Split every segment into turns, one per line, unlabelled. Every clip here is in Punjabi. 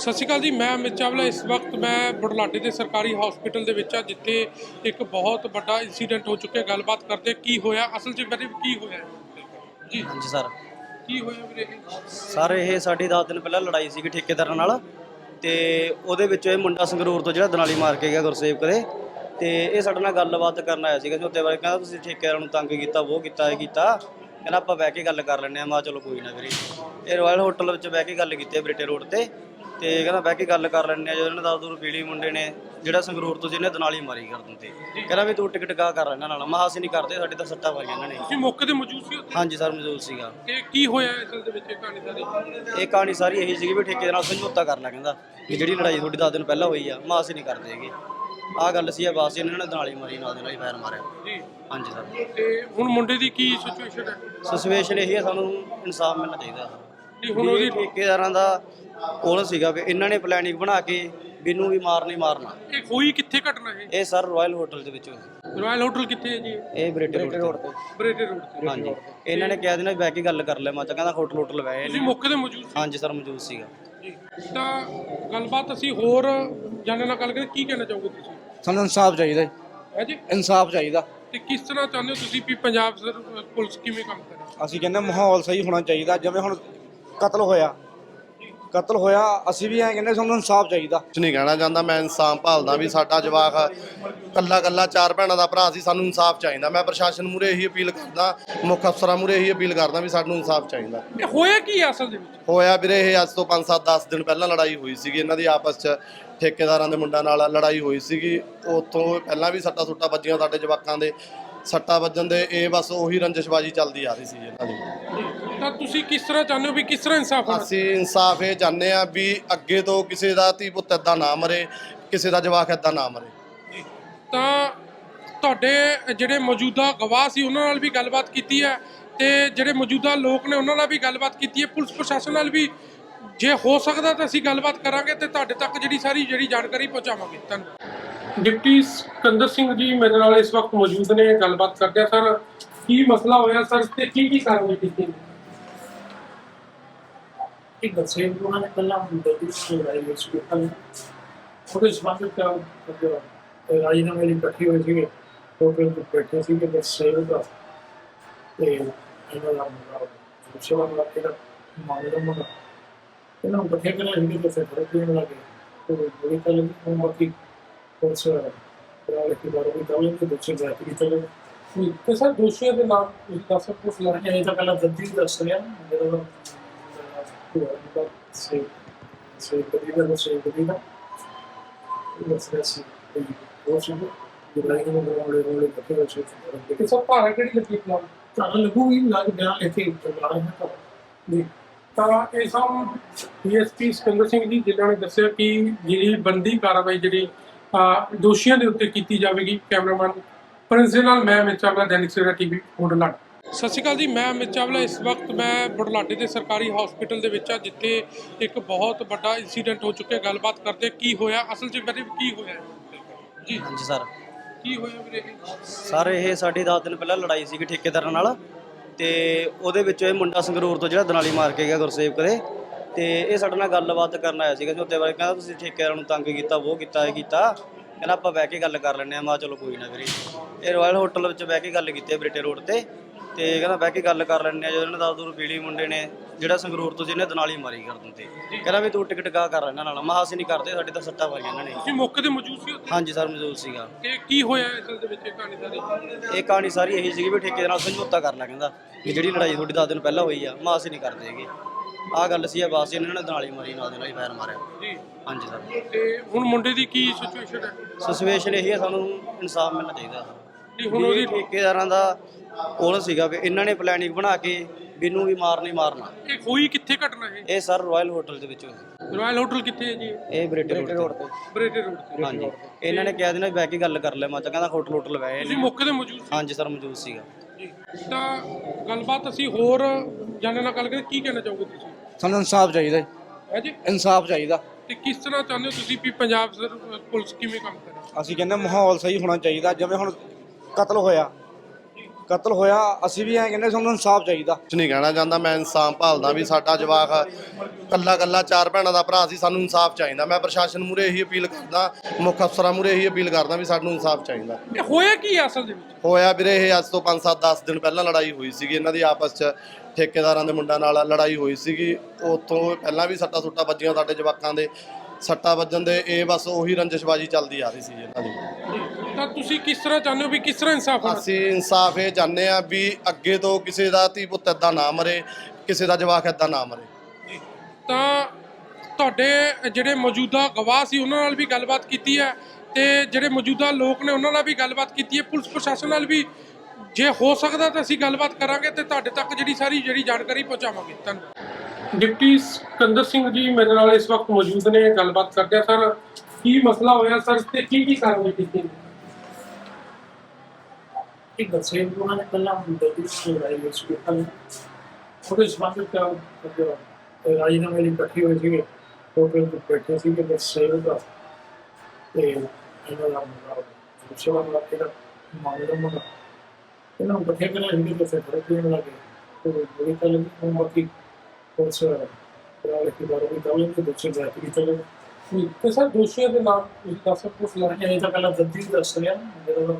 ਸਤਿ ਸ਼੍ਰੀ ਅਕਾਲ ਜੀ। ਮੈਂ ਅਮਿਤ ਚਾਵਲਾ। ਇਸ ਵਕਤ ਮੈਂ ਬੁਢਲਾਡੇ ਦੇ ਸਰਕਾਰੀ ਹਸਪੀਟਲ ਦੇ ਵਿੱਚ ਆ, ਜਿੱਥੇ ਇੱਕ ਬਹੁਤ ਵੱਡਾ ਇਨਸੀਡੈਂਟ ਹੋ ਚੁੱਕਿਆ। ਗੱਲਬਾਤ ਕਰਦੇ ਕੀ ਹੋਇਆ ਅਸਲ 'ਚ, ਵੀਰੇ ਕੀ ਹੋਇਆ ਜੀ?
ਹਾਂਜੀ ਸਰ।
ਕੀ ਹੋਇਆ ਵੀਰੇ?
ਸਰ ਇਹ ਸਾਡੀ 10 ਦਿਨ ਪਹਿਲਾਂ ਲੜਾਈ ਸੀਗੀ ਠੇਕੇਦਾਰਾਂ ਨਾਲ, ਤੇ ਉਹਦੇ ਵਿੱਚ ਇਹ ਮੁੰਡਾ ਸੰਗਰੂਰ ਤੋਂ ਜਿਹੜਾ ਦਨਾਲੀ ਮਾਰ ਕੇ ਗਿਆ ਗੁਰਸੇਵਕ ਦੇ, ਤੇ ਇਹ ਸਾਡੇ ਨਾਲ ਗੱਲਬਾਤ ਕਰਨ ਆਇਆ ਸੀਗਾ ਝੋਤੇ ਬਾਰੇ। ਕਹਿੰਦਾ ਤੁਸੀਂ ਠੇਕੇਦਾਰਾਂ ਨੂੰ ਤੰਗ ਕੀਤਾ, ਉਹ ਕੀਤਾ, ਇਹ ਕੀਤਾ। ਕਹਿੰਦਾ ਆਪਾਂ ਬਹਿ ਕੇ ਗੱਲ ਕਰ ਲੈਂਦੇ ਹਾਂ। ਮੈਂ ਚਲੋ ਕੋਈ ਨਾ ਵੀਰੇ। ਇਹ ਰਾਇਲ ਹੋਟਲ ਵਿੱਚ ਬਹਿ ਕੇ ਗੱਲ ਕੀਤੀ ਬਰੇਟੇ ਰੋਡ ਤੇ ਕਹਿੰਦਾ ਬਹਿ ਕੇ ਗੱਲ ਕਰ ਲੈਂਦੇ ਹਾਂ। ਜਦੋਂ ਇਹਨਾਂ 10 ਦੂਰ ਪੀਲੀ ਮੁੰਡੇ ਨੇ ਜਿਹੜਾ ਸੰਗਰੂਰ ਤੋਂ ਜਿਹਨੇ ਦਨਾਲੀ ਮਾਰੀ ਕਰ ਦਿੰਦੇ, ਕਹਿੰਦਾ ਵੀ ਤੂੰ ਟਿਕਟ ਕਾ ਕਰ ਇਹਨਾਂ ਨਾਲ। ਮੈਂ ਅਸੀਂ ਨਹੀਂ ਕਰਦੇ, ਸਾਡੇ ਤਾਂ ਸੱਟਾਂ ਪਾਈਆਂ ਇਹਨਾਂ ਨੇ।
ਤੁਸੀਂ ਮੌਕੇ ਤੇ ਮੌਜੂਦ ਸੀ ਉੱਥੇ?
ਹਾਂਜੀ ਸਰ, ਮੌਜੂਦ ਸੀਗਾ।
ਤੇ ਕੀ ਹੋਇਆ ਅਸਲ ਦੇ ਵਿੱਚ ਕਹਾਣੀ ਸਾਰੀ?
ਇਹ ਕਹਾਣੀ ਸਾਰੀ ਇਹੀ ਸੀਗੀ ਵੀ ਠੇਕੇ ਨਾਲ ਸਮਝੌਤਾ ਕਰ ਲਿਆ। ਕਹਿੰਦਾ ਵੀ ਜਿਹੜੀ ਲੜਾਈ ਤੁਹਾਡੀ 10 ਦਿਨ ਪਹਿਲਾਂ ਹੋਈ ਆ, ਮੈਂ ਅਸੀਂ ਨਹੀਂ ਕਰਦੇ ਹੈਗੇ। ਆਹ ਗੱਲ ਸੀ। ਬਸ ਇਹਨਾਂ ਨੇ ਦਨਾਲੀ ਮਾਰੀ, ਨਾਲ ਦੇ ਨਾਲ ਹੀ ਫਾਇਰ ਮਾਰਿਆ
ਜੀ।
ਹਾਂਜੀ ਸਰ।
ਤੇ ਹੁਣ ਮੁੰਡੇ ਦੀ ਕੀ ਸਿਚੁਏਸ਼ਨ ਹੈ?
ਸਿਚੁਏਸ਼ਨ ਇਹੀ ਹੈ, ਸਾਨੂੰ ਇਨਸਾਫ ਮਿਲਣਾ ਚਾਹੀਦਾ।
ਜੀ ਹੁਣ ਉਹਦੀ
ਠੇਕੇਦਾਰਾਂ ਦਾ ਕੋਲ ਸੀਗਾ ਵੀ ਇਹਨਾਂ ਨੇ ਪਲੈਨਿੰਗ ਬਣਾ ਕੇ ਵੀ ਇਹਨੂੰ ਵੀ ਮਾਰਨਾ।
ਇਹ ਹੋਈ ਕਿੱਥੇ ਘਟਨਾ
ਇਹ ਸਰ ਰਾਇਲ ਹੋਟਲ ਦੇ ਵਿੱਚ ਹੋਈ।
ਰਾਇਲ ਹੋਟਲ ਕਿੱਥੇ ਹੈ ਜੀ?
ਇਹ ਬਰੇਟੇ ਰੋਡ ਤੇ।
ਬਰੇਟੇ ਰੋਡ ਤੇ।
ਹਾਂਜੀ। ਇਹਨਾਂ ਨੇ ਕਿਹਾ ਸੀ ਨਾ ਬਹਿ ਕੇ ਗੱਲ ਕਰ ਲੈ। ਮੈਂ ਤਾਂ ਕਹਿੰਦਾ ਹੋਟਲ ਬਹਿ
ਤੁਸੀਂ ਮੌਕੇ ਤੇ ਮੌਜੂਦ ਸੀ?
ਹਾਂਜੀ ਸਰ, ਮੌਜੂਦ ਸੀਗਾ
ਜੀ। ਤਾਂ ਗੱਲਬਾਤ ਅਸੀਂ ਹੋਰ ਜਾਣਨ ਨਾਲ ਗੱਲ ਕਰੀਏ। ਕੀ ਕਹਿਣਾ ਚਾਹੋਗੇ ਤੁਸੀਂ?
ਸਾਨੂੰ ਇਨਸਾਫ ਚਾਹੀਦਾ ਜੀ,
ਹੈ ਜੀ।
ਇਨਸਾਫ ਚਾਹੀਦਾ।
ਤੇ ਕਿਸ ਤਰ੍ਹਾਂ ਚਾਹੁੰਦੇ ਹੋ ਤੁਸੀਂ ਵੀ ਪੰਜਾਬ ਪੁਲਿਸ ਕਿਵੇਂ ਕੰਮ ਕਰੇ?
ਅਸੀਂ ਕਹਿੰਦੇ ਮਾਹੌਲ ਸਹੀ ਹੋਣਾ ਚਾਹੀਦਾ। ਜਿਵੇਂ ਹੁਣ ਕਤਲ ਹੋਇਆ ਅਸੀਂ ਵੀ ਐਂ ਕਹਿੰਦੇ ਸਾਨੂੰ ਇਨਸਾਫ ਚਾਹੀਦਾ।
ਕੁਛ ਨਹੀਂ ਕਹਿਣਾ ਚਾਹੁੰਦਾ। ਮੈਂ ਇਨਸਾਫ ਭਾਲਦਾ ਵੀ ਸਾਡਾ ਜਵਾਕ ਕੱਲਾ 4 ਭੈਣਾਂ ਦਾ ਭਰਾ ਸੀ। ਸਾਨੂੰ ਇਨਸਾਫ ਚਾਹੀਦਾ। ਮੈਂ ਪ੍ਰਸ਼ਾਸਨ ਮੂਹਰੇ ਇਹੀ ਅਪੀਲ ਕਰਦਾ, ਮੁੱਖ ਅਫਸਰਾਂ ਮੂਹਰੇ ਇਹੀ ਅਪੀਲ ਕਰਦਾ ਵੀ ਸਾਨੂੰ ਇਨਸਾਫ ਚਾਹੀਦਾ।
ਇਹ ਹੋਇਆ ਕੀ ਹੈ ਅਸਲ ਦੇ ਵਿੱਚ?
ਹੋਇਆ ਵੀਰੇ, ਇਹ ਅੱਜ ਤੋਂ 5-7-10 ਦਿਨ ਪਹਿਲਾਂ ਲੜਾਈ ਹੋਈ ਸੀਗੀ ਇਹਨਾਂ ਦੀ ਆਪਸ 'ਚ। ਠੇਕੇਦਾਰਾਂ ਦੇ ਮੁੰਡਿਆਂ ਨਾਲ ਲੜਾਈ ਹੋਈ ਸੀਗੀ। ਉੱਥੋਂ ਪਹਿਲਾਂ ਵੀ ਸੱਟਾਂ ਸੁੱਟਾਂ ਵੱਜੀਆਂ ਸਾਡੇ ਜਵਾਕਾਂ ਦੇ। ਸੱਟਾਂ ਵੱਜਣ ਦੇ ਇਹ ਬਸ ਉਹੀ ਰੰਜਿਸ਼ਬਾਜੀ ਚੱਲਦੀ ਆ ਰਹੀ ਸੀ ਇਹਨਾਂ ਦੀ।
ਤਾਂ ਤੁਸੀਂ ਕਿਸ ਤਰ੍ਹਾਂ ਚਾਹੁੰਦੇ ਹੋ ਵੀ ਕਿਸ ਤਰ੍ਹਾਂ ਇਨਸਾਫ ਹੋਣਾ?
ਅਸੀਂ ਇਨਸਾਫ ਇਹ ਚਾਹੁੰਦੇ ਆ ਵੀ ਅੱਗੇ ਤੋਂ ਕਿਸੇ ਦਾ ਧੀ ਪੁੱਤ ਏਦਾਂ ਨਾ ਮਰੇ, ਕਿਸੇ ਦਾ ਜਵਾਕ ਏਦਾਂ ਨਾ ਮਰੇ।
ਤਾਂ ਤੁਹਾਡੇ ਜਿਹੜੇ ਮੌਜੂਦਾ ਗਵਾਹ ਸੀ ਉਹਨਾਂ ਨਾਲ ਵੀ ਗੱਲਬਾਤ ਕੀਤੀ ਹੈ, ਤੇ ਜਿਹੜੇ ਮੌਜੂਦਾ ਲੋਕ ਨੇ ਉਹਨਾਂ ਨਾਲ ਵੀ ਗੱਲਬਾਤ ਕੀਤੀ ਹੈ, ਪੁਲਿਸ ਪ੍ਰਸ਼ਾਸਨ ਨਾਲ ਵੀ। ਜੇ ਹੋ ਸਕਦਾ ਤਾਂ ਅਸੀਂ ਗੱਲਬਾਤ ਕਰਾਂਗੇ ਤੇ ਤੁਹਾਡੇ ਤੱਕ ਜਿਹੜੀ ਜਾਣਕਾਰੀ ਪਹੁੰਚਾਵਾਂਗੇ। ਧੰਨਵਾਦ। ਡਿਪਟੀ ਸਿਕੰਦਰ ਸਿੰਘ ਜੀ ਮੇਰੇ ਨਾਲ ਇਸ ਵਕਤ ਮੌਜੂਦ ਨੇ। ਗੱਲਬਾਤ ਕਰਦੇ ਆ। ਸਰ, ਕੀ ਮਸਲਾ ਹੋਇਆ ਸਰ, ਤੇ ਕੀ ਕਾਰਵਾਈ ਕੀਤੀ?
ਇੱਕ ਬੱਚੇ ਨੂੰ ਨੇ ਪਹਿਲਾਂ ਦਿੱਤੀ ਸੀ ਲੜਾਈ ਵਿੱਚ ਕੋਲ ਉਹਦੇ ਸਬੰਧ ਵਿੱਚ ਰਾਜੀਨਾਮੇ ਲਈ ਇਕੱਠੇ ਹੋਏ ਸੀਗੇ। ਉਹ ਫਿਰ ਬੈਠੇ ਸੀ ਕਿ ਬੱਚੇ ਦਾ ਤੇ ਇਹਨਾਂ ਦਾ ਸੇਵਾ ਦਾ ਮਾਮਲਾ ਇਹਨਾਂ ਨੂੰ ਇਕੱਠੇ ਕਰਨਾ ਸੀ ਤੇ ਫਿਰ ਦੇਣ ਲੱਗੇ। ਉਹ ਬੜੀ ਗੱਲ ਨਹੀਂ ਬਾਕੀ ਕੁਛ ਰਾਲੇ ਕੀ ਬਾਰੇ ਵੀ ਗੱਲ ਤੇ ਬੱਚੇ ਜਾਤੀ ਦੀ ਚਲੇ।
ਤੇ ਸਰ ਦੋਸ਼ੀਆਂ ਦੇ ਨਾਮ ਤੁਸੀਂ ਦੱਸ ਸਕਦੇ ਹੋ?
ਇਹ ਤਾਂ ਪਹਿਲਾਂ ਦੱਦੀ ਦੱਸ ਰਿਹਾ ਜਦੋਂ ਸੇ ਕਦੀ ਦਾ ਦੱਸ ਰਿਹਾ ਸੀ ਉਹ ਸੀ ਲੜਾਈ ਨੂੰ ਰੋਲੇ ਇਕੱਠੇ ਹੋਏ ਸੀ।
ਤੇ ਸਰ ਭਾਰਾ ਕਿਹੜੀ ਲੱਗੀ ਫਿਲਹਾਲ?
ਤਾਂ ਲੱਗੂਗੀ ਲੱਗ ਬਿਆਨ ਲਿਖੇ ਚਲਾ ਰਹੇ ਹਾਂ
ਜੀ। ਤਾਂ ਇਹ ਸਭ ਡੀਐਸਪੀ ਸਿਕੰਦਰ ਸਿੰਘ ਜੀ ਜਿਨ੍ਹਾਂ ਨੇ ਦੱਸਿਆ ਕਿ ਜਿਹੜੀ ਬੰਦੀ ਕਾਰਵਾਈ ਜਿਹੜੀ ਦੋਸ਼ੀਆਂ ਦੇ ਉੱਤੇ ਕੀਤੀ ਜਾਵੇਗੀ। ਕੈਮਰਾਮੈਨ ਪ੍ਰਿੰਸ ਦੇ ਨਾਲ ਮੈਂ ਅਮਿਤ ਚਾਵਲਾ, ਦੈਨਿਕ ਸਵੇਰਾ ਟੀਵੀ, ਬੁਢਲਾਡਾ। ਸਤਿ ਸ਼੍ਰੀ ਅਕਾਲ ਜੀ। ਮੈਂ ਅਮਿਤ ਚਾਵਲਾ। ਇਸ ਵਕਤ ਮੈਂ ਬੁਢਲਾਡੇ ਦੇ ਸਰਕਾਰੀ ਹਸਪੀਟਲ ਦੇ ਵਿੱਚ ਆ, ਜਿੱਥੇ ਇੱਕ ਬਹੁਤ ਵੱਡਾ ਇਨਸੀਡੈਂਟ ਹੋ ਚੁੱਕਿਆ। ਗੱਲਬਾਤ ਕਰਦੇ ਕੀ ਹੋਇਆ ਅਸਲ 'ਚ, ਵੀਰੇ ਕੀ ਹੋਇਆ ਜੀ?
ਹਾਂਜੀ ਸਰ।
ਕੀ ਹੋਇਆ ਵੀਰੇ?
ਸਰ ਇਹ ਸਾਡੀ 10 ਦਿਨ ਪਹਿਲਾਂ ਲੜਾਈ ਸੀਗੀ ਠੇਕੇਦਾਰਾਂ ਨਾਲ, ਤੇ ਉਹਦੇ ਵਿੱਚ ਇਹ ਮੁੰਡਾ ਸੰਗਰੂਰ ਤੋਂ ਜਿਹੜਾ ਦਨਾਲੀ ਮਾਰ ਕੇ ਗਿਆ ਗੁਰਸੇਵਕ ਦੇ, ਤੇ ਇਹ ਸਾਡੇ ਨਾਲ ਗੱਲਬਾਤ ਕਰਨ ਆਇਆ ਸੀਗਾ ਝੋਤੇ ਬਾਰੇ। ਕਹਿੰਦਾ ਤੁਸੀਂ ਠੇਕੇਦਾਰਾਂ ਨੂੰ ਤੰਗ ਕੀਤਾ, ਉਹ ਕੀਤਾ, ਇਹ ਕੀਤਾ। ਕਹਿੰਦਾ ਆਪਾਂ ਬਹਿ ਕੇ ਗੱਲ ਕਰ ਲੈਂਦੇ ਹਾਂ। ਮੈਂ ਚਲੋ ਕੋਈ ਨਾ ਵੀਰੇ। ਇਹ ਰਾਇਲ ਹੋਟਲ ਵਿੱਚ ਬਹਿ ਕੇ ਗੱਲ ਕੀਤੀ ਬਰੇਟੇ ਰੋਡ ਤੇ ਕਹਿੰਦਾ ਬਹਿ ਕੇ ਗੱਲ ਕਰ ਲੈਂਦੇ ਹਾਂ। ਜਦੋਂ ਇਹਨਾਂ 10 ਦੂਰ ਪੀਲੀ ਮੁੰਡੇ ਨੇ ਜਿਹੜਾ ਸੰਗਰੂਰ ਤੋਂ ਜਿਹਨੇ ਦਨਾਲੀ ਮਾਰੀ ਕਰ ਦਿੰਦੇ, ਕਹਿੰਦਾ ਵੀ ਤੂੰ ਟਿਕਟ ਕਾ ਕਰ ਇਹਨਾਂ ਨਾਲ। ਮੈਂ ਅਸੀਂ ਨਹੀਂ ਕਰਦੇ, ਸਾਡੇ ਤਾਂ ਸੱਟਾਂ ਪਾਈਆਂ ਇਹਨਾਂ ਨੇ।
ਤੁਸੀਂ ਮੌਕੇ ਤੇ ਮੌਜੂਦ ਸੀ ਉੱਥੇ?
ਹਾਂਜੀ ਸਰ, ਮੌਜੂਦ ਸੀਗਾ।
ਤੇ ਕੀ ਹੋਇਆ ਅਸਲ ਦੇ ਵਿੱਚ ਕਹਾਣੀ ਸਾਰੀ?
ਇਹ ਕਹਾਣੀ ਸਾਰੀ ਇਹੀ ਸੀਗੀ ਵੀ ਠੇਕੇ ਨਾਲ ਸਮਝੌਤਾ ਕਰ ਲਿਆ। ਕਹਿੰਦਾ ਵੀ ਜਿਹੜੀ ਲੜਾਈ ਤੁਹਾਡੀ 10 ਦਿਨ ਪਹਿਲਾਂ ਹੋਈ ਆ, ਮੈਂ ਅਸੀਂ ਨਹੀਂ ਕਰਦੇ ਹੈਗੇ। ਆਹ ਗੱਲ ਸੀ। ਬਸ ਇਹਨਾਂ ਨੇ ਦਨਾਲੀ ਮਾਰੀ, ਨਾਲ ਦੇ ਨਾਲ ਹੀ ਫਾਇਰ ਮਾਰਿਆ
ਜੀ।
ਹਾਂਜੀ ਸਰ।
ਤੇ ਹੁਣ ਮੁੰਡੇ ਦੀ ਕੀ ਸਿਚੁਏਸ਼ਨ ਹੈ?
ਸਿਚੁਏਸ਼ਨ ਇਹੀ ਹੈ, ਸਾਨੂੰ ਇਨਸਾਫ ਮਿਲਣਾ ਚਾਹੀਦਾ।
ਜੀ ਹੁਣ ਉਹਦੀ
ਠੇਕੇਦਾਰਾਂ ਦਾ ਕੋਲ ਸੀਗਾ ਵੀ ਇਹਨਾਂ ਨੇ ਪਲੈਨਿੰਗ ਬਣਾ ਕੇ ਵੀ ਇਹਨੂੰ ਵੀ ਮਾਰਨਾ।
ਇਹ ਹੋਈ ਕਿੱਥੇ ਘਟਨਾ?
ਇਹ ਸਰ ਰਾਇਲ ਹੋਟਲ ਦੇ ਵਿੱਚ ਹੋਈ।
ਰਾਇਲ ਹੋਟਲ ਕਿੱਥੇ ਹੈ ਜੀ?
ਇਹ ਬਰੇਟੇ ਰੋਡ ਤੇ।
ਬਰੇਟੇ ਰੋਡ ਤੇ।
ਹਾਂਜੀ। ਇਹਨਾਂ ਨੇ ਕਿਹਾ ਸੀ ਨਾ ਬਹਿ ਕੇ ਗੱਲ ਕਰ ਲੈ। ਮੈਂ ਤਾਂ ਕਹਿੰਦਾ ਹੋਟਲ ਬਹਿ।
ਤੁਸੀਂ ਮੌਕੇ ਤੇ ਮੌਜੂਦ ਸੀ?
ਹਾਂਜੀ ਸਰ, ਮੌਜੂਦ ਸੀਗਾ
ਜੀ। ਤਾਂ ਗੱਲਬਾਤ ਅਸੀਂ ਹੋਰ ਜਾਣਨ ਨਾਲ ਗੱਲ ਕਰੀਏ। ਕੀ ਕਹਿਣਾ ਚਾਹੋਗੇ ਤੁਸੀਂ?
ਸਾਨੂੰ ਇਨਸਾਫ ਚਾਹੀਦਾ ਜੀ,
ਹੈ ਜੀ।
ਇਨਸਾਫ ਚਾਹੀਦਾ।
ਤੇ ਕਿਸ ਤਰ੍ਹਾਂ ਚਾਹੁੰਦੇ ਹੋ ਤੁਸੀਂ ਵੀ ਪੰਜਾਬ ਪੁਲਿਸ ਕਿਵੇਂ ਕੰਮ ਕਰੇ?
ਅਸੀਂ ਕਹਿੰਦੇ ਮਾਹੌਲ ਸਹੀ ਹੋਣਾ ਚਾਹੀਦਾ। ਜਿਵੇਂ ਹੁਣ ਕਤਲ ਕਤਲ ਹੋਇਆ ਅਸੀਂ ਵੀ ਐਂ ਕਹਿੰਦੇ ਸਾਨੂੰ ਇਨਸਾਫ ਚਾਹੀਦਾ।
ਕੁਛ ਨਹੀਂ ਕਹਿਣਾ ਚਾਹੁੰਦਾ, ਮੈਂ ਇਨਸਾਫ ਭਾਲਦਾ ਵੀ ਸਾਡਾ ਜਵਾਕ ਕੱਲਾ ਕੱਲਾ 4 ਭੈਣਾਂ ਦਾ ਭਰਾ ਸੀ, ਸਾਨੂੰ ਇਨਸਾਫ ਚਾਹੀਦਾ। ਮੈਂ ਪ੍ਰਸ਼ਾਸਨ ਮੂਹਰੇ ਇਹੀ ਅਪੀਲ ਕਰਦਾ, ਮੁੱਖ ਅਫਸਰਾਂ ਮੂਹਰੇ ਇਹੀ ਅਪੀਲ ਕਰਦਾ ਵੀ ਸਾਨੂੰ ਇਨਸਾਫ ਚਾਹੀਦਾ।
ਇਹ ਹੋਇਆ ਕੀ ਆ ਅਸਲ ਦੇ ਵਿੱਚ?
ਹੋਇਆ ਵੀਰੇ, ਇਹ ਅੱਜ ਤੋਂ 5-7-10 ਦਿਨ ਪਹਿਲਾਂ ਲੜਾਈ ਹੋਈ ਸੀਗੀ ਇਹਨਾਂ ਦੀ ਆਪਸ 'ਚ, ਠੇਕੇਦਾਰਾਂ ਦੇ ਮੁੰਡਿਆਂ ਨਾਲ ਲੜਾਈ ਹੋਈ ਸੀਗੀ। ਉੱਥੋਂ ਪਹਿਲਾਂ ਵੀ ਸੱਟਾਂ ਸੁੱਟਾਂ ਵੱਜੀਆਂ ਸਾਡੇ ਜਵਾਕਾਂ ਦੇ, ਸੱਟਾਂ ਵੱਜਣ ਦੇ ਇਹ ਬਸ ਉਹੀ ਰੰਜਿਸ਼ਬਾਜੀ ਚੱਲਦੀ ਆ ਰਹੀ ਸੀ ਇਹਨਾਂ ਦੀ।
ਤਾਂ ਤੁਸੀਂ ਕਿਸ ਤਰ੍ਹਾਂ ਚਾਹੁੰਦੇ ਹੋ ਵੀ ਕਿਸ ਤਰ੍ਹਾਂ ਇਨਸਾਫ ਹੋਣਾ?
ਅਸੀਂ ਇਨਸਾਫ ਇਹ ਚਾਹੁੰਦੇ ਆ ਵੀ ਅੱਗੇ ਤੋਂ ਕਿਸੇ ਦਾ ਧੀ ਪੁੱਤ ਏਦਾਂ ਨਾ ਮਰੇ, ਕਿਸੇ ਦਾ ਜਵਾਕ ਏਦਾਂ ਨਾ ਮਰੇ।
ਤਾਂ ਤੁਹਾਡੇ ਜਿਹੜੇ ਮੌਜੂਦਾ ਗਵਾਹ ਸੀ ਉਹਨਾਂ ਨਾਲ ਵੀ ਗੱਲਬਾਤ ਕੀਤੀ ਹੈ ਤੇ ਜਿਹੜੇ ਮੌਜੂਦਾ ਲੋਕ ਨੇ ਉਹਨਾਂ ਨਾਲ ਵੀ ਗੱਲਬਾਤ ਕੀਤੀ ਹੈ, ਪੁਲਿਸ ਪ੍ਰਸ਼ਾਸਨ ਨਾਲ ਵੀ ਜੇ ਹੋ ਸਕਦਾ ਤਾਂ ਅਸੀਂ ਗੱਲਬਾਤ ਕਰਾਂਗੇ ਤੇ ਤੁਹਾਡੇ ਤੱਕ ਜਿਹੜੀ ਜਾਣਕਾਰੀ ਪਹੁੰਚਾਵਾਂਗੇ। ਧੰਨਵਾਦ। ਡਿਪਟੀ ਸਿਕੰਦਰ ਸਿੰਘ ਜੀ ਮੇਰੇ ਨਾਲ ਇਸ ਵਕਤ ਮੌਜੂਦ ਨੇ, ਗੱਲਬਾਤ ਕਰਦੇ ਆ। ਸਰ, ਕੀ ਮਸਲਾ ਹੋਇਆ ਸਰ ਤੇ ਕੀ ਕਾਰਵਾਈ ਕੀਤੀ?
ਇੱਕ ਦੱਸੇ ਉਹਨਾਂ ਨੇ ਪਹਿਲਾਂ ਦਿੱਲੀ ਤੋਂ ਲੜਾਈ ਹੋਈ ਸੀ ਉਹਦੇ ਸੰਬੰਧਿਤ ਰਾਜੀਨਾਮੇ ਲਈ ਇਕੱਠੇ ਹੋਏ ਸੀਗੇ, ਹੋਟਲ ਵਿੱਚ ਬੈਠੇ ਸੀਗੇ ਬਸ ਸੇਵ ਦਾ ਤੇ ਇਹਨਾਂ ਦਾ ਸੇਵਾ ਦਾ ਕਿਹੜਾ ਮਾਮਲਾ ਮੁੰਡਾ ਇਹਨਾਂ ਨੂੰ ਇਕੱਠੇ ਕਰਿਆ ਸੀ ਕਿ ਫਿਰ ਫਰਕ ਦੇਣ ਲੱਗੇ ਤੇ ਬੜੀ ਗੱਲ ਉਹ ਬਾਕੀ ਉਸ ਰਾਲੇ ਦੀ ਬਾਰੇ ਵੀ ਗੱਲ ਨਹੀਂ ਦੱਸੇ ਜਾਤੀ ਦੀ ਚਲੇ
ਤੇ ਸਰ ਦੋਸ਼ੀਆਂ ਦੇ ਨਾਮ ਤੁਸੀਂ ਦੱਸ ਸਕਦੇ ਹੋ?
ਲੜਾਈ ਇਹ ਤਾਂ ਪਹਿਲਾਂ ਦੱਦੀ ਦੱਸ ਰਿਹਾ ਜਦੋਂ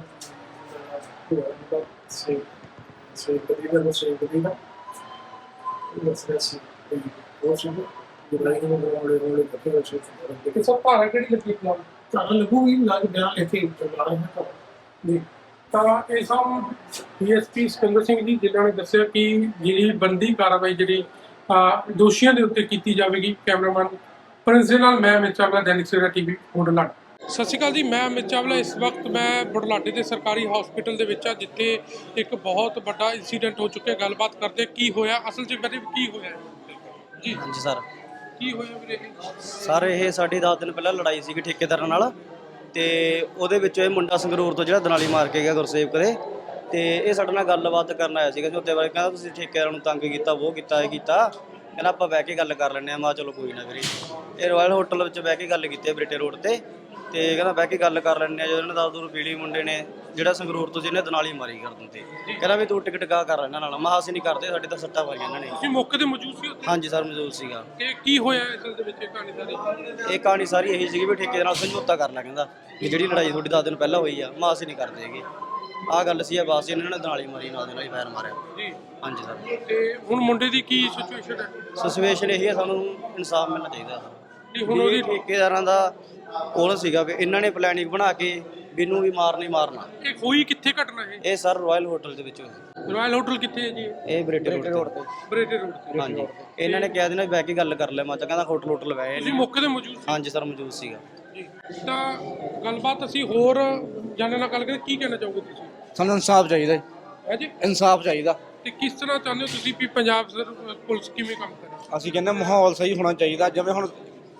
ਸੇ ਕਦੀ ਦਾ ਦੱਸ ਰਿਹਾ ਸੀ ਉਹ ਸੁਣ ਲੜਾਈ ਨੂੰ ਰੋਲੇ ਇਕੱਠੇ ਹੋਏ ਸੀ
ਤੇ ਸਰ ਭਾਰਾ ਕਿਹੜੀ ਲੱਗੀ ਪਲਾਨ?
ਤਾਂ ਲੱਗੂਗੀ ਲੱਗ ਬਿਆਨ ਇੱਥੇ ਚਲਾ ਰਹੇ ਹਾਂ
ਜੀ, ਤਾਂ ਇਹ ਸਭ ਡੀਐਸਪੀ ਸਿਕੰਦਰ ਸਿੰਘ ਜੀ ਜਿਨ੍ਹਾਂ ਨੇ ਦੱਸਿਆ ਕਿ ਜਿਹੜੀ ਬੰਦੀ ਕਾਰਵਾਈ ਜਿਹੜੀ ਦੋਸ਼ੀਆਂ ਦੇ ਉੱਤੇ ਕੀਤੀ ਜਾਵੇਗੀ। ਕੈਮਰਾਮੈਨ ਪ੍ਰਿੰਸ ਦੇ ਨਾਲ ਮੈਂ ਅਮਿਤ ਚਾਵਲਾ, ਦੈਨਿਕ ਸਵੇਰਾ ਟੀਵੀ, ਬੁਢਲਾਡਾ। ਸਤਿ ਸ਼੍ਰੀ ਅਕਾਲ ਜੀ, ਮੈਂ ਅਮਿਤ ਚਾਵਲਾ। ਇਸ ਵਕਤ ਮੈਂ ਬੁਢਲਾਡੇ ਦੇ ਸਰਕਾਰੀ ਹਸਪੀਟਲ ਦੇ ਵਿੱਚ ਆ ਜਿੱਥੇ ਇੱਕ ਬਹੁਤ ਵੱਡਾ ਇਨਸੀਡੈਂਟ ਹੋ ਚੁੱਕਿਆ। ਗੱਲਬਾਤ ਕਰਦੇ ਕੀ ਹੋਇਆ ਅਸਲ 'ਚ, ਮੇਰੇ ਕੀ ਹੋਇਆ ਜੀ?
ਹਾਂਜੀ ਸਰ,
ਕੀ ਹੋਇਆ ਵੀਰੇ?
ਸਰ ਇਹ ਸਾਡੀ 10 ਦਿਨ ਪਹਿਲਾਂ ਲੜਾਈ ਸੀਗੀ ਠੇਕੇਦਾਰਾਂ ਨਾਲ ਤੇ ਉਹਦੇ ਵਿੱਚ ਇਹ ਮੁੰਡਾ ਸੰਗਰੂਰ ਤੋਂ ਜਿਹੜਾ ਦਨਾਲੀ ਮਾਰ ਕੇ ਗਿਆ ਗੁਰਸੇਵਕ ਦੇ, ਤੇ ਇਹ ਸਾਡੇ ਨਾਲ ਗੱਲਬਾਤ ਕਰਨ ਆਇਆ ਸੀਗਾ ਜੀ। ਉੱਤੇ ਬਾਰੇ ਕਹਿੰਦਾ ਤੁਸੀਂ ਠੇਕੇਦਾਰਾਂ ਨੂੰ ਤੰਗ ਕੀਤਾ, ਉਹ ਕੀਤਾ, ਇਹ ਕੀਤਾ। ਕਹਿੰਦਾ ਆਪਾਂ ਬਹਿ ਕੇ ਗੱਲ ਕਰ ਲੈਂਦੇ ਹਾਂ। ਮੈਂ ਚਲੋ ਕੋਈ ਨਾ ਵੀਰੇ। ਇਹ ਰਾਇਲ ਹੋਟਲ ਵਿੱਚ ਬਹਿ ਕੇ ਗੱਲ ਕੀਤੀ ਬਰੇਟੇ ਰੋਡ ਤੇ, ਤੇ ਕਹਿੰਦਾ ਬਹਿ ਕੇ ਗੱਲ ਕਰ ਲੈਂਦੇ ਆ। ਜਦੋਂ ਇਹਨਾਂ ਦਾ ਦੂਰ ਪੀਲੀ ਮੁੰਡੇ ਨੇ ਜਿਹੜਾ ਸੰਗਰੂਰ ਤੋਂ ਜਿਹਨੇ ਦਨਾਲੀ ਮਾਰੀ ਕਰ ਦਿੰਦੇ, ਕਹਿੰਦਾ ਵੀ ਤੂੰ ਟਿਕਟ ਕਾ ਕਰ ਇਹਨਾਂ ਨਾਲ। ਮੈਂ ਅਸੀਂ ਨਹੀਂ ਕਰਦੇ, ਸਾਡੇ ਤਾਂ ਸੱਟਾਂ ਮਾਰੀਆਂ ਇਹਨਾਂ ਨੇ।
ਤੁਸੀਂ ਮੌਕੇ ਤੇ ਮੌਜੂਦ ਸੀ ਉੱਥੇ?
ਹਾਂਜੀ ਸਰ, ਮੌਜੂਦ ਸੀਗਾ।
ਤੇ ਕੀ ਹੋਇਆ ਅਸਲ ਦੇ ਵਿੱਚ ਇਹ ਕਹਾਣੀ ਸਾਰੀ?
ਇਹ ਕਹਾਣੀ ਸਾਰੀ ਇਹੀ ਸੀਗੀ ਵੀ ਠੇਕੇ ਨਾਲ ਸਮਝੌਤਾ ਕਰ ਲਿਆ। ਕਹਿੰਦਾ ਵੀ ਜਿਹੜੀ ਲੜਾਈ ਤੁਹਾਡੀ 10 ਦਿਨ ਪਹਿਲਾਂ ਹੋਈ ਆ, ਮੈਂ ਅਸੀਂ ਨਹੀਂ ਕਰਦੇ ਹੈਗੇ। ਆਹ ਗੱਲ ਸੀ। ਬਸ ਇਹਨਾਂ ਨੇ ਦਨਾਲੀ ਮਾਰੀ, ਨਾਲ ਦੇ ਨਾਲ ਹੀ ਫਾਇਰ ਮਾਰਿਆ
ਜੀ।
ਹਾਂਜੀ ਸਰ।
ਤੇ ਹੁਣ ਮੁੰਡੇ ਦੀ ਕੀ ਸਿਚੁਏਸ਼ਨ ਹੈ?
ਸਿਚੁਏਸ਼ਨ ਇਹੀ ਹੈ, ਸਾਨੂੰ ਇਨਸਾਫ ਮਿਲਣਾ ਚਾਹੀਦਾ।
ਜੀ, ਹੁਣ ਉਹਦੀ
ਠੇਕੇਦਾਰਾਂ ਦਾ ਕੋਲ ਸੀਗਾ ਵੀ ਇਹਨਾਂ ਨੇ ਪਲੈਨਿੰਗ ਬਣਾ ਕੇ ਮੈਨੂੰ ਵੀ ਮਾਰਨਾ।
ਇਹ ਹੋਈ ਕਿੱਥੇ ਘਟਨਾ ਇਹ?
ਇਹ ਸਰ ਰਾਇਲ ਹੋਟਲ ਦੇ ਵਿੱਚ ਹੋਈ।
ਰਾਇਲ ਹੋਟਲ ਕਿੱਥੇ ਹੈ ਜੀ?
ਇਹ ਬਰੇਟੇ ਰੋਡ ਤੇ।
ਬਰੇਟੇ ਰੋਡ ਤੇ।
ਹਾਂਜੀ, ਇਹਨਾਂ ਨੇ ਕਿਹਾ ਸੀ ਨਾ ਬਹਿ ਕੇ ਗੱਲ ਕਰ ਲੈ। ਮੈਂ ਤਾਂ ਕਹਿੰਦਾ ਹੋਟਲ ਲਵਾਏ
ਤੁਸੀਂ
ਨੇ।
ਮੌਕੇ ਤੇ ਮੌਜੂਦ ਸੀ?
ਹਾਂਜੀ ਸਰ, ਮੌਜੂਦ ਸੀਗਾ
ਜੀ। ਤਾਂ ਗੱਲਬਾਤ ਅਸੀਂ ਹੋਰ ਜਾਣਨ ਨਾਲ ਗੱਲ ਕਰੀਏ। ਕੀ ਕਹਿਣਾ ਚਾਹੋਗੇ ਤੁਸੀਂ?
ਸਾਨੂੰ ਇਨਸਾਫ ਚਾਹੀਦਾ ਜੀ,
ਹੈ ਜੀ।
ਇਨਸਾਫ ਚਾਹੀਦਾ।
ਤੇ ਕਿਸ ਤਰ੍ਹਾਂ ਚਾਹੁੰਦੇ ਹੋ ਤੁਸੀਂ ਵੀ ਪੰਜਾਬ ਪੁਲਿਸ ਕਿਵੇਂ ਕੰਮ ਕਰੇ?
ਅਸੀਂ ਕਹਿੰਦੇ ਮਾਹੌਲ ਸਹੀ ਹੋਣਾ ਚਾਹੀਦਾ। ਜਿਵੇਂ ਹੁਣ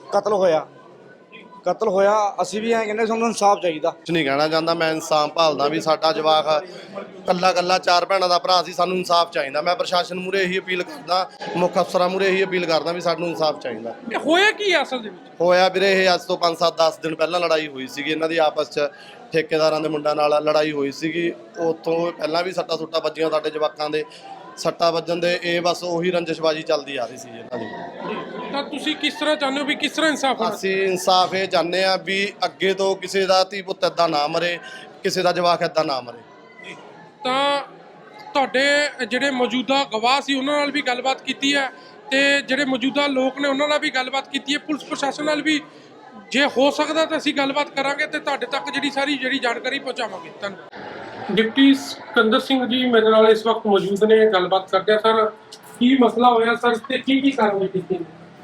ਕਤਲ ਹੋਇਆ ਅਸੀਂ ਵੀ ਐਂ ਕਹਿੰਦੇ ਸਾਨੂੰ ਇਨਸਾਫ ਚਾਹੀਦਾ।
ਕੁਛ ਨਹੀਂ ਕਹਿਣਾ ਚਾਹੁੰਦਾ, ਮੈਂ ਇਨਸਾਫ ਭਾਲਦਾ ਵੀ ਸਾਡਾ ਜਵਾਕ ਕੱਲਾ ਕੱਲਾ 4 ਭੈਣਾਂ ਦਾ ਭਰਾ ਸੀ, ਸਾਨੂੰ ਇਨਸਾਫ ਚਾਹੀਦਾ। ਮੈਂ ਪ੍ਰਸ਼ਾਸਨ ਮੂਹਰੇ ਇਹੀ ਅਪੀਲ ਕਰਦਾ, ਮੁੱਖ ਅਫਸਰਾਂ ਮੂਹਰੇ ਇਹੀ ਅਪੀਲ ਕਰਦਾ ਵੀ ਸਾਨੂੰ ਇਨਸਾਫ ਚਾਹੀਦਾ।
ਇਹ ਹੋਇਆ ਕੀ ਅਸਲ ਦੇ ਵਿੱਚ?
ਹੋਇਆ ਵੀਰੇ, ਇਹ ਅੱਜ ਤੋਂ 5-7-10 ਦਿਨ ਪਹਿਲਾਂ ਲੜਾਈ ਹੋਈ ਸੀਗੀ ਇਹਨਾਂ ਦੀ ਆਪਸ 'ਚ, ਠੇਕੇਦਾਰਾਂ ਦੇ ਮੁੰਡਿਆਂ ਨਾਲ ਲੜਾਈ ਹੋਈ ਸੀਗੀ। ਉੱਥੋਂ ਪਹਿਲਾਂ ਵੀ ਸੱਟਾਂ ਸੁੱਟਾਂ ਵੱਜੀਆਂ ਸਾਡੇ ਜਵਾਕਾਂ ਦੇ, ਸੱਟਾਂ ਵੱਜਣ ਦੇ ਇਹ ਬਸ ਉਹੀ ਰੰਜਿਸ਼ਬਾਜੀ ਚੱਲਦੀ ਆ ਰਹੀ ਸੀ ਇਹਨਾਂ ਦੀ।
ਤਾਂ ਤੁਸੀਂ ਕਿਸ ਤਰ੍ਹਾਂ ਚਾਹੁੰਦੇ ਹੋ ਵੀ ਕਿਸ ਤਰ੍ਹਾਂ ਇਨਸਾਫ ਹੋਣਾ?
ਅਸੀਂ ਇਨਸਾਫ ਇਹ ਚਾਹੁੰਦੇ ਆ ਵੀ ਅੱਗੇ ਤੋਂ ਕਿਸੇ ਦਾ ਧੀ ਪੁੱਤ ਏਦਾਂ ਨਾ ਮਰੇ, ਕਿਸੇ ਦਾ ਜਵਾਕ ਏਦਾਂ ਨਾ ਮਰੇ।
ਤਾਂ ਤੁਹਾਡੇ ਜਿਹੜੇ ਮੌਜੂਦਾ ਗਵਾਹ ਸੀ ਉਹਨਾਂ ਨਾਲ ਵੀ ਗੱਲਬਾਤ ਕੀਤੀ ਹੈ ਤੇ ਜਿਹੜੇ ਮੌਜੂਦਾ ਲੋਕ ਨੇ ਉਹਨਾਂ ਨਾਲ ਵੀ ਗੱਲਬਾਤ ਕੀਤੀ ਹੈ। ਪੁਲਿਸ ਪ੍ਰਸ਼ਾਸਨ ਨਾਲ ਵੀ ਜੇ ਹੋ ਸਕਦਾ ਤਾਂ ਅਸੀਂ ਗੱਲਬਾਤ ਕਰਾਂਗੇ ਤੇ ਤੁਹਾਡੇ ਤੱਕ ਜਿਹੜੀ ਜਾਣਕਾਰੀ ਪਹੁੰਚਾਵਾਂਗੇ। ਧੰਨਵਾਦ। ਡਿਪਟੀ ਸਿਕੰਦਰ ਸਿੰਘ ਜੀ ਮੇਰੇ ਨਾਲ ਇਸ ਵਕਤ ਮੌਜੂਦ ਨੇ, ਗੱਲਬਾਤ ਕਰਦੇ ਆ। ਸਰ, ਕੀ ਮਸਲਾ ਹੋਇਆ ਸਰ ਤੇ ਕੀ ਕਾਰਵਾਈ ਕੀਤੀ?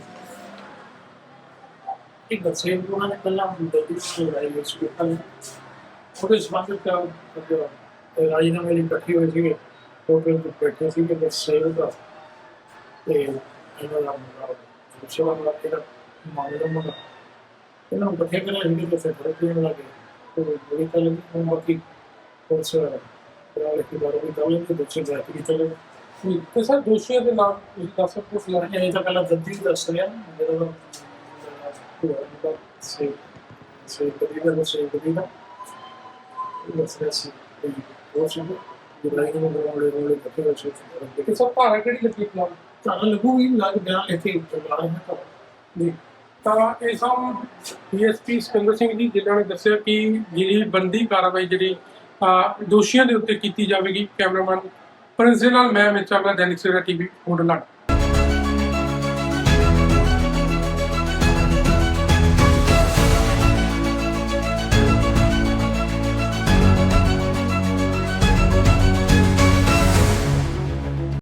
ਇੱਕ ਦੱਸੇ ਉਹਨਾਂ ਨੇ ਪਹਿਲਾਂ ਦਿੱਲੀ ਤੋਂ ਲੜਾਈ ਹੋਈ ਸੀ ਉਹਦੇ ਸੰਬੰਧਿਤ ਰਾਜੀਨਾਮੇ ਲਈ ਇਕੱਠੇ ਹੋਏ ਸੀਗੇ, ਹੋਟਲ ਵਿੱਚ ਬੈਠੇ ਸੀਗੇ ਬਸ ਸੇਵ ਦਾ ਤੇ ਇਹਨਾਂ ਦਾ ਸੇਵਾ ਦਾ ਕਿਹੜਾ ਮਾਮਲਾ ਮੁੰਡਾ ਇਹਨਾਂ ਨੂੰ ਇਕੱਠੇ ਕਰਿਆ ਸੀ ਕਿ ਫਿਰ ਫਰਕ ਦੇਣ ਲੱਗੇ ਤੇ ਬੜੀ ਗੱਲ ਉਹ ਬਾਕੀ ਉਸ ਰਾਲੇ ਦੀ ਬਾਰੇ ਵੀ ਗੱਲ ਨਹੀਂ ਦੱਸੇ ਜਾਤੀ ਦੀ ਚਲੇ
ਤੇ ਸਰ ਦੋਸ਼ੀਆਂ ਦੇ ਨਾਮ ਤੁਸੀਂ ਦੱਸ ਸਕਦੇ ਹੋ?
ਲੜਾਈ ਇਹ ਤਾਂ ਪਹਿਲਾਂ ਦੱਦੀ ਦੱਸ ਰਿਹਾ ਜਦੋਂ ਸੇ ਕਦੀ ਦਾ ਦੱਸ ਰਿਹਾ ਸੀ ਉਹ ਸੁਣ ਲੜਾਈ ਨੂੰ ਬਣਾਉਣ ਵਾਲੇ ਇਕੱਠੇ ਹੋਏ ਸੀ
ਤੇ ਸਰ ਭਾਰਾ ਕਿਹੜੀ ਲੱਗੀ ਫਿਲਹਾਲ
ਤਾਂ ਲੱਗੂਗੀ ਲੱਗ ਬਿਆਨ ਲਿਖ ਕੇ ਚਲਾ ਰਹੇ ਹਾਂ
ਜੀ ਤਾਂ ਇਹ ਸਭ ਡੀਐਸਪੀ ਸਿਕੰਦਰ ਸਿੰਘ ਜੀ ਜਿਨ੍ਹਾਂ ਨੇ ਦੱਸਿਆ ਕਿ ਜਿਹੜੀ ਬੰਦੀ ਕਾਰਵਾਈ ਜਿਹੜੀ ਦੋਸ਼ੀਆਂ ਦੇ ਉੱਤੇ ਕੀਤੀ ਜਾਵੇਗੀ। ਕੈਮਰਾਮੈਨ ਪ੍ਰਿੰਸ ਦੇ ਨਾਲ ਮੈਂ ਅਮਿਤ ਚਾਵਲਾ, ਦੈਨਿਕ ਸਵੇਰਾ ਟੀਵੀ, ਬੁਢਲਾਡਾ।